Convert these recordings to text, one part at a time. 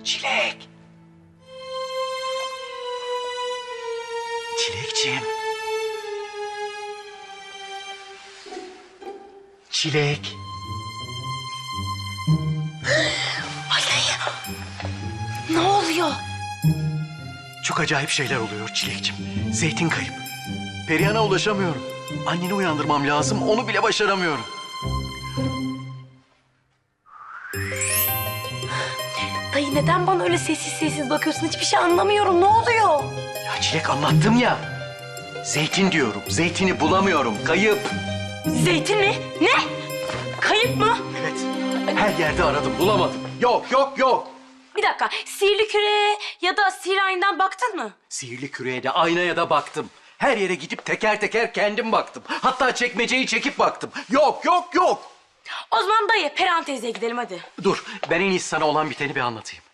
Çilek. Çilekciğim. Çilek. Ay dayı. Ne oluyor? Çok acayip şeyler oluyor Çilekciğim. Zeytin kayıp. Perihan'a ulaşamıyorum. Anneni uyandırmam lazım, onu bile başaramıyorum. Dayı neden bana öyle sessiz sessiz bakıyorsun? Hiçbir şey anlamıyorum. Ne oluyor? Ya Çilek anlattım ya. Zeytin diyorum, zeytini bulamıyorum, kayıp. Zeytin mi? Ne? Kayıp mı? Evet, her yerde aradım, bulamadım. Yok, yok, yok. Bir dakika. Sihirli küre ya da sihir ayından baktın mı? Sihirli küreye de aynaya da baktım. Her yere gidip teker teker kendim baktım. Hatta çekmeceyi çekip baktım. Yok, yok, yok. O zaman dayı Perihan teyzeye gidelim hadi. Dur, ben en iyisi sana olan biteni bir anlatayım.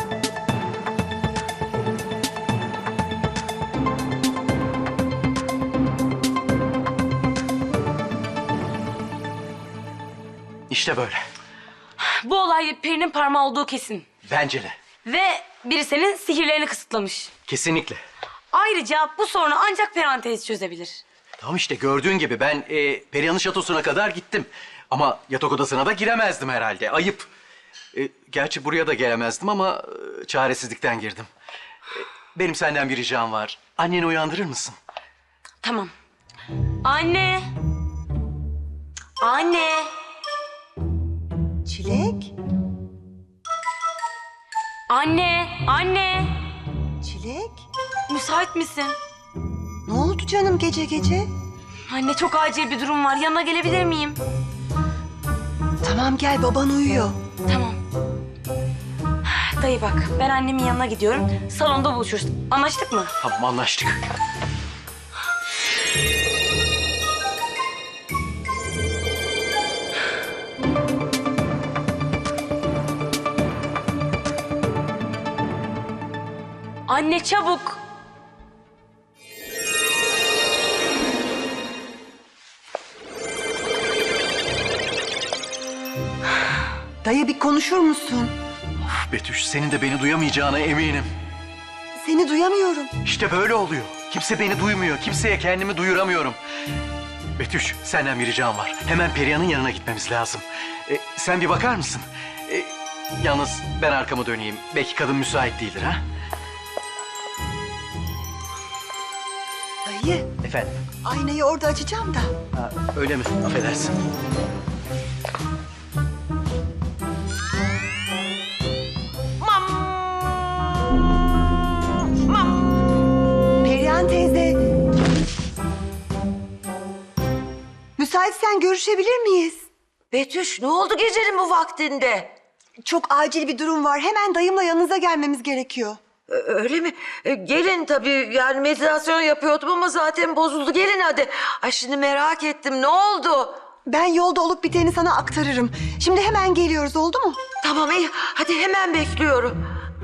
İşte böyle. Bu olay Peri'nin parmağı olduğu kesin. Bence de. Ve biri senin sihirlerini kısıtlamış. Kesinlikle. Ayrıca bu sorunu ancak Perihan teyze çözebilir. Tamam işte gördüğün gibi ben Perihan'ın şatosuna kadar gittim. Ama yatak odasına da giremezdim herhalde. Ayıp. Gerçi buraya da gelemezdim ama çaresizlikten girdim. Benim senden bir ricam var. Anneni uyandırır mısın? Tamam. Anne. Anne. Çilek, Anne. Anne. Çilek. Müsait misin? Ne oldu canım gece gece? Anne çok acil bir durum var. Yanına gelebilir miyim? Tamam gel, baban uyuyor. Tamam. Dayı bak, ben annemin yanına gidiyorum. Salonda buluşuruz. Anlaştık mı? Tamam anlaştık. Anne çabuk. Dayı bir konuşur musun? Betüş senin de beni duyamayacağına eminim. Seni duyamıyorum. İşte böyle oluyor. Kimse beni duymuyor. Kimseye kendimi duyuramıyorum. Betüş senden bir ricam var. Hemen Perihan'ın yanına gitmemiz lazım. Sen bir bakar mısın? Yalnız ben arkamı döneyim. Belki kadın müsait değildir ha? Dayı, Efendim? aynayı orada açacağım da. Ha, öyle mi? Affedersin. Perihan teyze. Müsaitsen görüşebilir miyiz? Betüş ne oldu gecenin bu vaktinde? Çok acil bir durum var. Hemen dayımla yanınıza gelmemiz gerekiyor. Öyle mi? Gelin tabii yani meditasyon yapıyordum ama zaten bozuldu. Gelin hadi. Ay şimdi merak ettim ne oldu? Ben yolda olup biteni sana aktarırım. Şimdi hemen geliyoruz, oldu mu? Tamam iyi hadi hemen bekliyorum.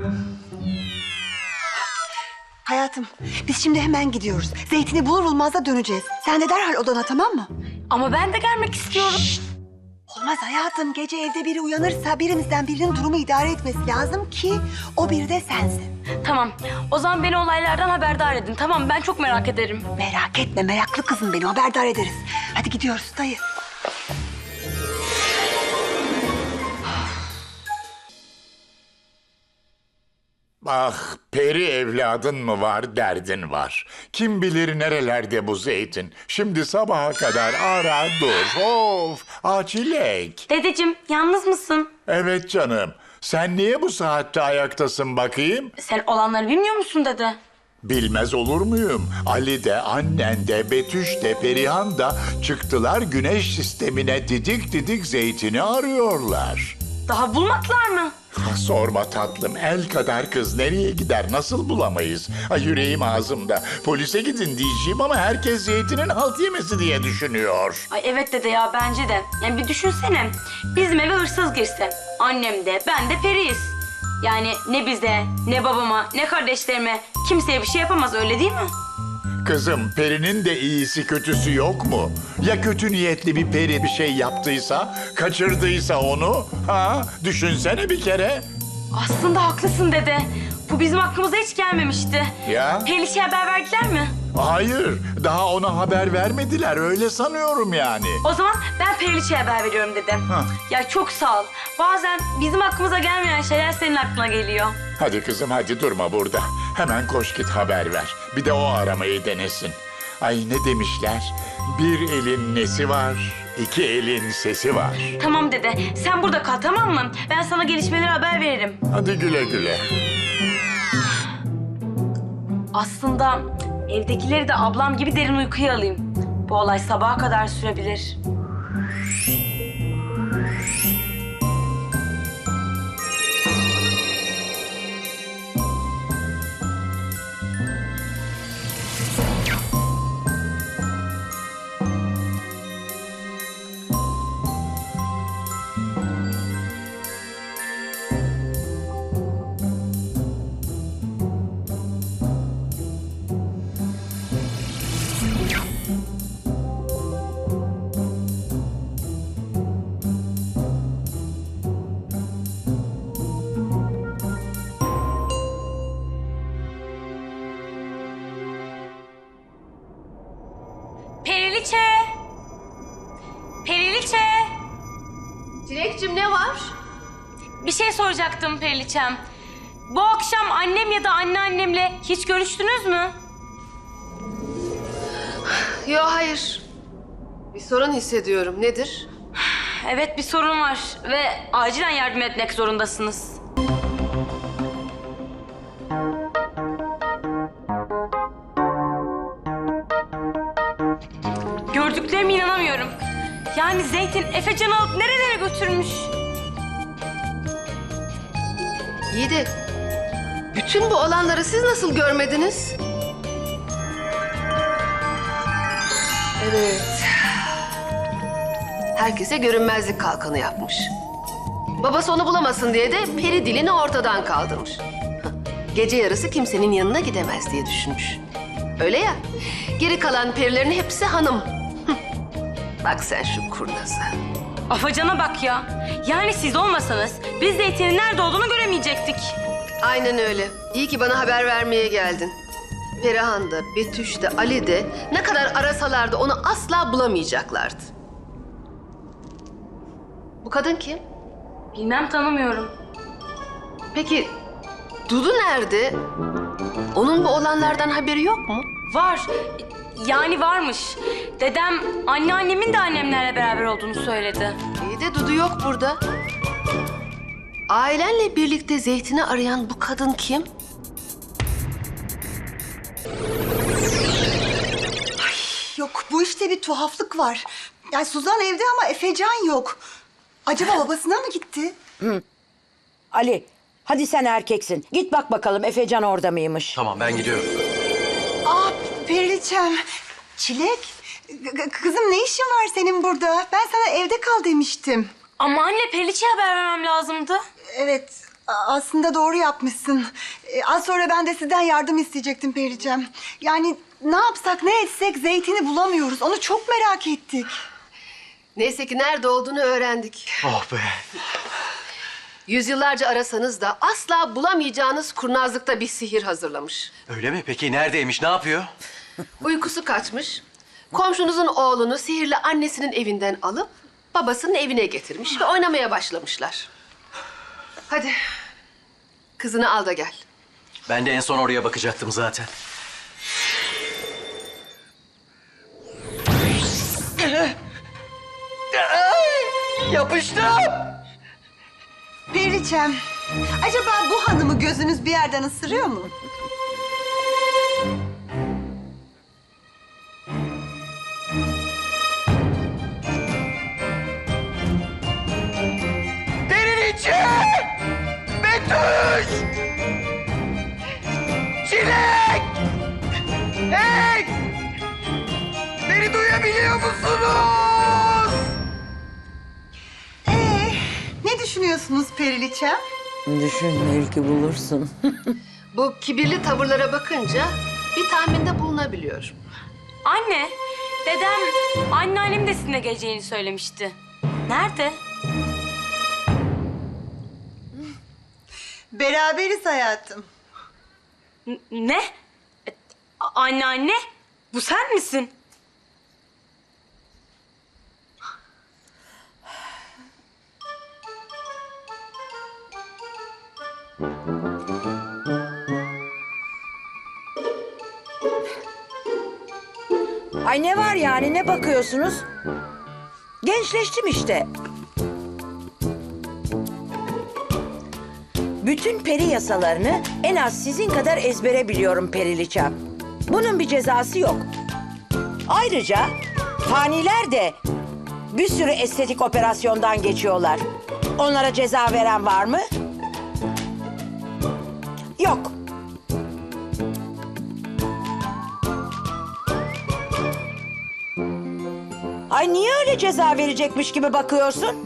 Hayatım, biz şimdi hemen gidiyoruz. Zeytini bulur bulmaz da döneceğiz. Sen de derhal odana, tamam mı? Ama ben de gelmek istiyorum. Olmaz hayatım. Gece evde biri uyanırsa birimizden birinin durumu idare etmesi lazım ki o biri de sensin. Tamam. O zaman beni olaylardan haberdar edin. Tamam, ben çok merak ederim. Merak etme, meraklı kızım beni haberdar ederiz. Hadi gidiyoruz dayı. Ah, peri evladın mı var, derdin var. Kim bilir nerelerde bu zeytin. Şimdi sabaha kadar ara dur. Of, Çilek. Dedeciğim, yalnız mısın? Evet canım. Sen niye bu saatte ayaktasın bakayım? Sen olanları bilmiyor musun dede? Bilmez olur muyum? Ali de, annen de, Betüş de, Perihan da çıktılar güneş sistemine didik didik zeytini arıyorlar. Daha bulmadılar mı? Ah, sorma tatlım, el kadar kız nereye gider, nasıl bulamayız? Ay yüreğim ağzımda. Polise gidin diyeceğim ama herkes zeytinin halt yemesi diye düşünüyor. Ay evet dede ya, bence de. Yani bir düşünsene. Bizim eve hırsız girse. Annem de, ben de periyiz. Yani ne bize, ne babama, ne kardeşlerime kimseye bir şey yapamaz, öyle değil mi? Kızım, perinin de iyisi kötüsü yok mu? Ya kötü niyetli bir peri bir şey yaptıysa, kaçırdıysa onu? Ha? Düşünsene bir kere. Aslında haklısın dede. Bu bizim aklımıza hiç gelmemişti. Ya? Periliçe'ye haber verdiler mi? Hayır, daha ona haber vermediler. Öyle sanıyorum yani. O zaman ben Periliçe'ye haber veriyorum dede. Hah. Ya çok sağ ol. Bazen bizim aklımıza gelmeyen şeyler senin aklına geliyor. Hadi kızım, hadi durma burada. Hemen koş git haber ver. Bir de o aramayı denesin. Ay ne demişler? Bir elin nesi var, iki elin sesi var. Tamam dede, sen burada kal tamam mı? Ben sana gelişmeleri haber veririm. Hadi güle güle. Aslında evdekileri de ablam gibi derin uykuya alayım. Bu olay sabaha kadar sürebilir. Periliçe! Periliçe! Çilekçim ne var? Bir şey soracaktım Periliçem. Bu akşam annem ya da anneannemle hiç görüştünüz mü? Yo hayır. Bir sorun hissediyorum. Nedir? Evet bir sorun var ve acilen yardım etmek zorundasınız. Gördüklerime inanamıyorum. Yani Zeytin Efecan'ı alıp nerelere götürmüş? İyi de bütün bu olanları siz nasıl görmediniz? Evet. Herkese görünmezlik kalkanı yapmış. Babası onu bulamasın diye de peri dilini ortadan kaldırmış. Gece yarısı kimsenin yanına gidemez diye düşünmüş. Öyle ya. Geri kalan perilerin hepsi hanım. Bak sen şu kurnaza. Afacan'a bak ya. Yani siz olmasanız biz Zeytin'in nerede olduğunu göremeyecektik. Aynen öyle. İyi ki bana haber vermeye geldin. Perihan da, Betüş de, Ali de ne kadar arasalardı onu asla bulamayacaklardı. Bu kadın kim? Bilmem tanımıyorum. Peki Dudu nerede? Onun bu olanlardan haberi yok mu? Var. Yani varmış. Dedem anneannemin de annemlerle beraber olduğunu söyledi. İyi de Dudu yok burada. Ailenle birlikte Zeytin'i arayan bu kadın kim? Yok, bu işte bir tuhaflık var. Yani Suzan evde ama Efecan yok. Acaba babasına mı gitti? Ali, hadi sen erkeksin. Git bak bakalım Efecan orada mıymış? Tamam ben gidiyorum. Aa, Periliçem. Çilek, kızım ne işin var senin burada? Ben sana evde kal demiştim. Ama anne Periliçe'ye haber vermem lazımdı. Evet, aslında doğru yapmışsın. Az sonra ben de sizden yardım isteyecektim Periliçem. Yani ne yapsak ne etsek Zeytin'i bulamıyoruz. Onu çok merak ettik. Neyse ki nerede olduğunu öğrendik. Oh be. Yüzyıllarca arasanız da asla bulamayacağınız kurnazlıkta bir sihir hazırlamış. Öyle mi? Peki neredeymiş? Ne yapıyor? Uykusu kaçmış. Komşunuzun oğlunu sihirli annesinin evinden alıp babasının evine getirmiş ve oynamaya başlamışlar. Hadi kızını al da gel. Ben de en son oraya bakacaktım zaten. Yapıştım. Periliçem, acaba bu hanımı gözünüz bir yerden ısırıyor mu? Periliçe! Betüş! Çilek! Hey! Beni duyabiliyor musunuz? Ne düşünüyorsunuz Periliçem? Düşün belki bulursun. Bu kibirli tavırlara bakınca bir tahminde bulunabiliyorum. Anne, dedem anneannem de sizinle geleceğini söylemişti. Nerede? Beraberiz hayatım. Ne? Anne, bu sen misin? Ay ne var yani, ne bakıyorsunuz? Gençleştim işte. Bütün peri yasalarını en az sizin kadar ezbere biliyorum Periliçem. Bunun bir cezası yok. Ayrıca faniler de bir sürü estetik operasyondan geçiyorlar. Onlara ceza veren var mı? Yok. Ay niye öyle ceza verecekmiş gibi bakıyorsun?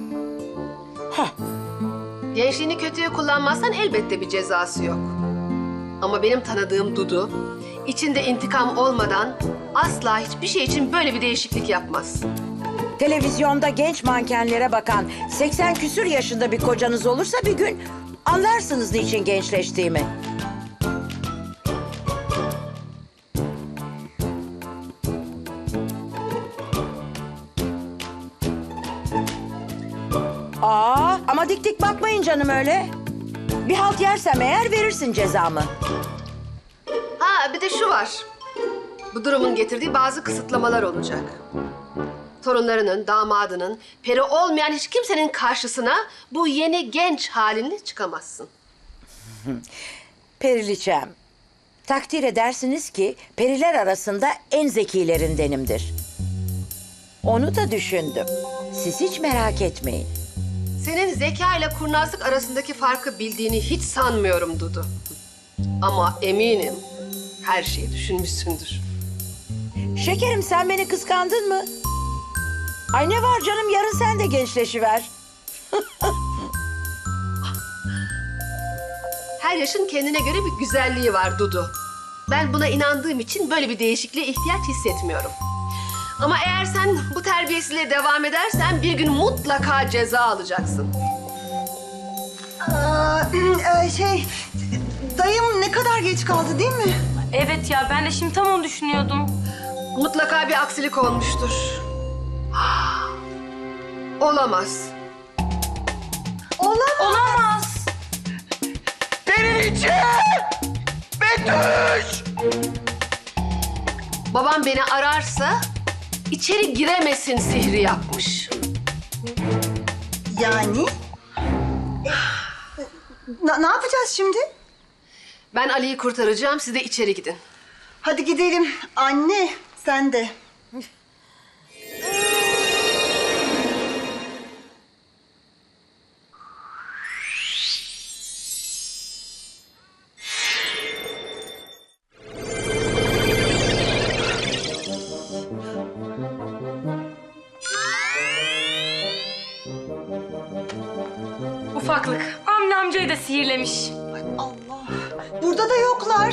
Gençliğini kötüye kullanmazsan elbette bir cezası yok. Ama benim tanıdığım Dudu, içinde intikam olmadan asla hiçbir şey için böyle bir değişiklik yapmaz. Televizyonda genç mankenlere bakan 80 küsür yaşında bir kocanız olursa bir gün anlarsınız niçin gençleştiğimi. Ama dik dik bakmayın canım öyle. Bir halt yersem eğer verirsin cezamı. Ha bir de şu var. Bu durumun getirdiği bazı kısıtlamalar olacak. Torunlarının, damadının, peri olmayan hiç kimsenin karşısına bu yeni genç halinle çıkamazsın. Periliçem, takdir edersiniz ki periler arasında en zekilerindenimdir. Onu da düşündüm. Siz hiç merak etmeyin. Senin zeka ile kurnazlık arasındaki farkı bildiğini hiç sanmıyorum Dudu. Ama eminim her şeyi düşünmüşsündür. Şekerim sen beni kıskandın mı? Ay ne var canım, yarın sen de gençleşiver. Her yaşın kendine göre bir güzelliği var Dudu. Ben buna inandığım için böyle bir değişikliğe ihtiyaç hissetmiyorum. Ama eğer sen bu terbiyesizliğe devam edersen bir gün mutlaka ceza alacaksın. Dayım ne kadar geç kaldı değil mi? Evet ya, ben de şimdi tam onu düşünüyordum. Mutlaka bir aksilik olmuştur. Olamaz. Olamaz. Periliçe! Betüş! Babam beni ararsa içeri giremesin sihri yapmış. Yani? Ne yapacağız şimdi? Ben Ali'yi kurtaracağım, siz de içeri gidin. Hadi gidelim. Anne, sen de. Ufaklık. Avni amcayı da sihirlemiş. Allah. Burada da yoklar.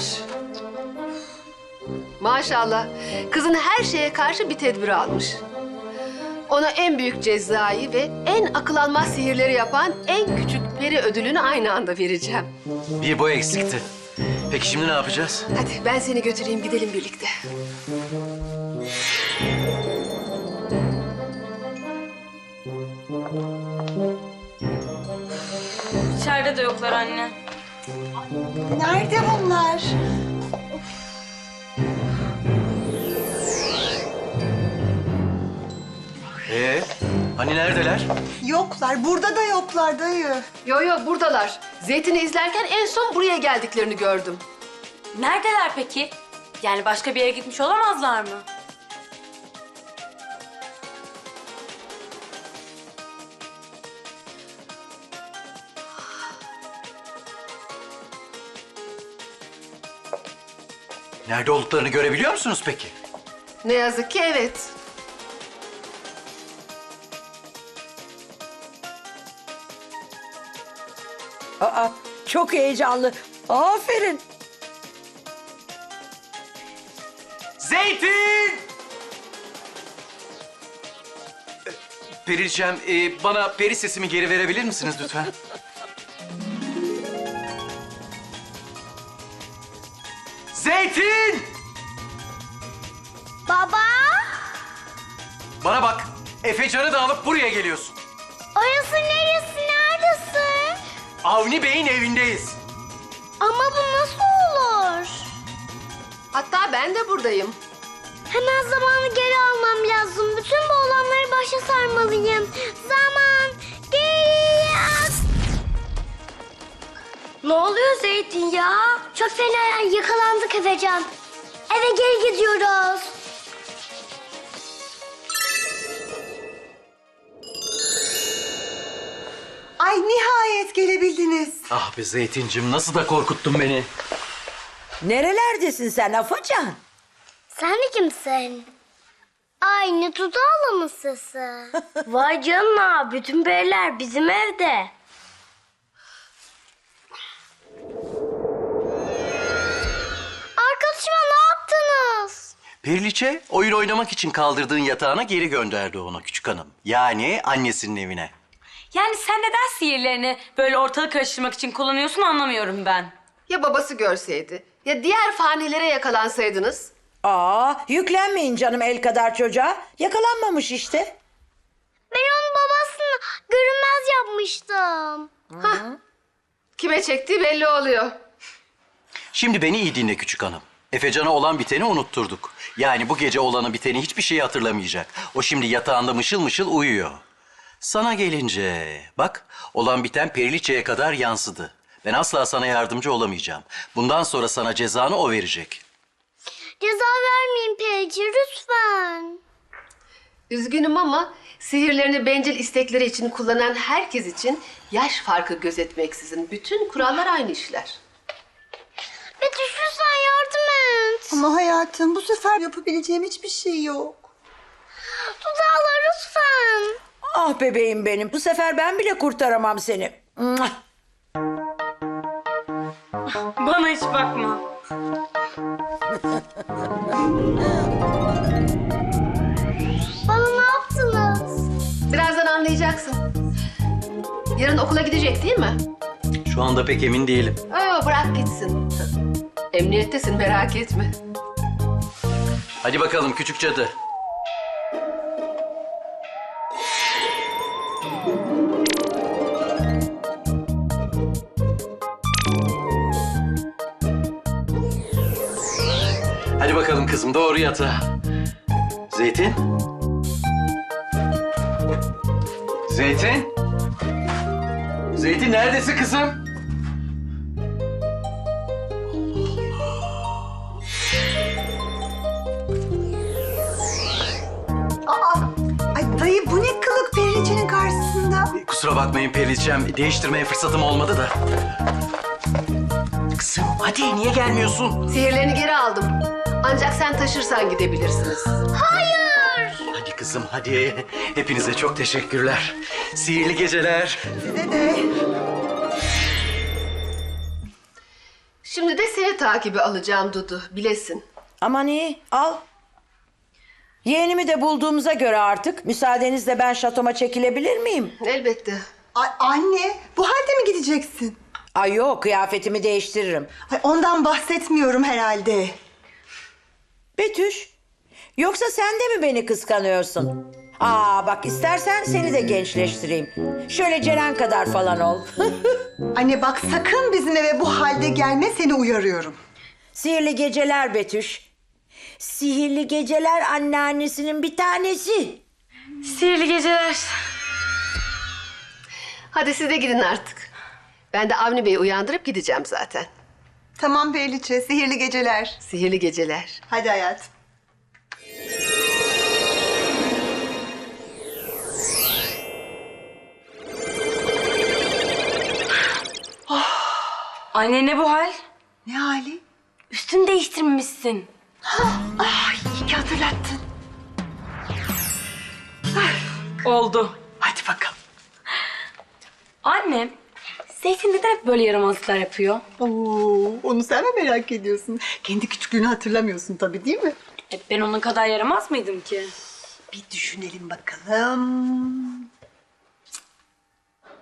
Maşallah, kızın her şeye karşı bir tedbir almış. Ona en büyük cezayı ve en akıl almaz sihirleri yapan en küçük peri ödülünü aynı anda vereceğim. Bir bu eksikti. Peki şimdi ne yapacağız? Hadi ben seni götüreyim, gidelim birlikte. İçeride de yoklar anne. Nerede bunlar? Hani neredeler? Yoklar. Burada da yoklar dayı. Yo yo buradalar. Zeytin'i izlerken en son buraya geldiklerini gördüm. Neredeler peki? Yani başka bir yere gitmiş olamazlar mı? Nerede olduklarını görebiliyor musunuz peki? Ne yazık ki evet. Çok heyecanlı. Aferin. Zeytin! Periliçem, bana peri sesimi geri verebilir misiniz lütfen? Zeytin! Baba, Bana bak. Efecan'ı da alıp buraya geliyorsun. orası neresi, neredesin? Avni Bey'in evindeyiz. Ama bu nasıl olur? Hatta ben de buradayım. Hemen zamanı geri almam lazım. Bütün bu olanları başa sarmalıyım. Zaman geri al. Ne oluyor Zeytin ya? Çok fena yakalandık Efecan. Eve geri gidiyoruz. Ay nihayet gelebildiniz. Ah be Zeytincim, nasıl da korkuttun beni. Nerelerdesin sen Afacan? Sen de kimsin? Aynı Tudağlı mı sesi? Vay canına, bütün periler bizim evde. Arkadaşıma ne yaptınız? Periliçe oyun oynamak için kaldırdığın yatağına geri gönderdi onu küçük hanım. Yani annesinin evine. Yani sen neden sihirlerini böyle ortalık karıştırmak için kullanıyorsun anlamıyorum ben. Ya babası görseydi? Ya diğer fanilere yakalansaydınız? Aa, yüklenmeyin canım el kadar çocuğa. Yakalanmamış işte. Ben onun babasını görünmez yapmıştım. Kime çektiği belli oluyor. Şimdi beni iyi dinle küçük hanım. Efecan'a olan biteni unutturduk. Yani bu gece olanı biteni hiçbir şeyi hatırlamayacak. O şimdi yatağında mışıl mışıl uyuyor. Sana gelince bak, olan biten Periliçe'ye kadar yansıdı. Ben asla sana yardımcı olamayacağım. Bundan sonra sana cezanı o verecek. Ceza vermeyin Perici lütfen. Üzgünüm ama sihirlerini bencil istekleri için kullanan herkes için yaş farkı gözetmeksizin bütün kurallar aynı işler. Betüş lütfen yardım et. Ama hayatım bu sefer yapabileceğim hiçbir şey yok. Tudağlı lütfen. Ah bebeğim benim. Bu sefer ben bile kurtaramam seni. Mua! Bana hiç bakma. Bana ne yaptınız? Birazdan anlayacaksın. Yarın okula gidecek değil mi? Şu anda pek emin değilim. Bırak gitsin. Emniyettesin, merak etme. Hadi bakalım küçük cadı. Hadi bakalım kızım, doğru yatağa. Zeytin? Zeytin? Zeytin neredesin kızım? Ay dayı bu ne kılık Periliçe'nin karşısında? Kusura bakmayın Periliçem, değiştirmeye fırsatım olmadı da. Kızım hadi, niye gelmiyorsun? Sihirlerini geri aldım. Ancak sen taşırsan gidebilirsiniz. Hadi kızım hadi. Hepinize çok teşekkürler. Sihirli geceler. Size de. Şimdi de seni takibi alacağım Dudu, bilesin. Aman iyi, al. Yeğenimi de bulduğumuza göre artık müsaadenizle ben şatoma çekilebilir miyim? Elbette. Ay anne bu halde mi gideceksin? Ay yok, kıyafetimi değiştiririm. Ay ondan bahsetmiyorum herhalde. Betüş, yoksa sen de mi beni kıskanıyorsun? Aa bak, istersen seni de gençleştireyim. Şöyle Ceren kadar falan ol. Anne bak sakın bizim eve bu halde gelme, seni uyarıyorum. Sihirli geceler Betüş. Sihirli geceler anneannesinin bir tanesi. Sihirli geceler. Hadi siz de gidin artık. Ben de Avni Bey'i uyandırıp gideceğim zaten. Tamam Periliçe, sihirli geceler. Sihirli geceler. Hadi hayatım. Anne ne bu hal? Ne hali? Üstünü değiştirmişsin. Ay iyi ki hatırlattın. Oldu. Hadi bakalım. Annem, Zeytin neden hep böyle yaramazlıklar yapıyor? Oo, onu sen mi merak ediyorsun? Kendi küçüklüğünü hatırlamıyorsun tabii değil mi? Ben onun kadar yaramaz mıydım ki? Bir düşünelim bakalım.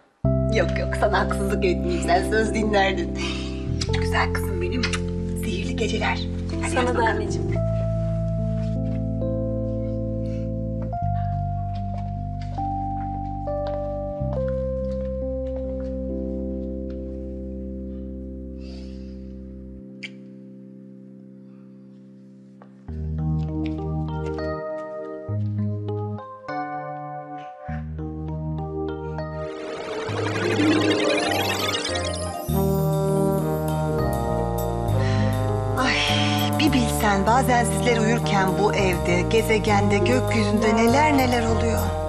Yok yok sana haksızlık etmeyeyim. Sen söz dinlerdin. Güzel kızım benim. Sihirli iyi geceler. Sana da anneciğim. Ay, bir bilsen bazen sizler uyurken bu evde, gezegende, gökyüzünde neler neler oluyor.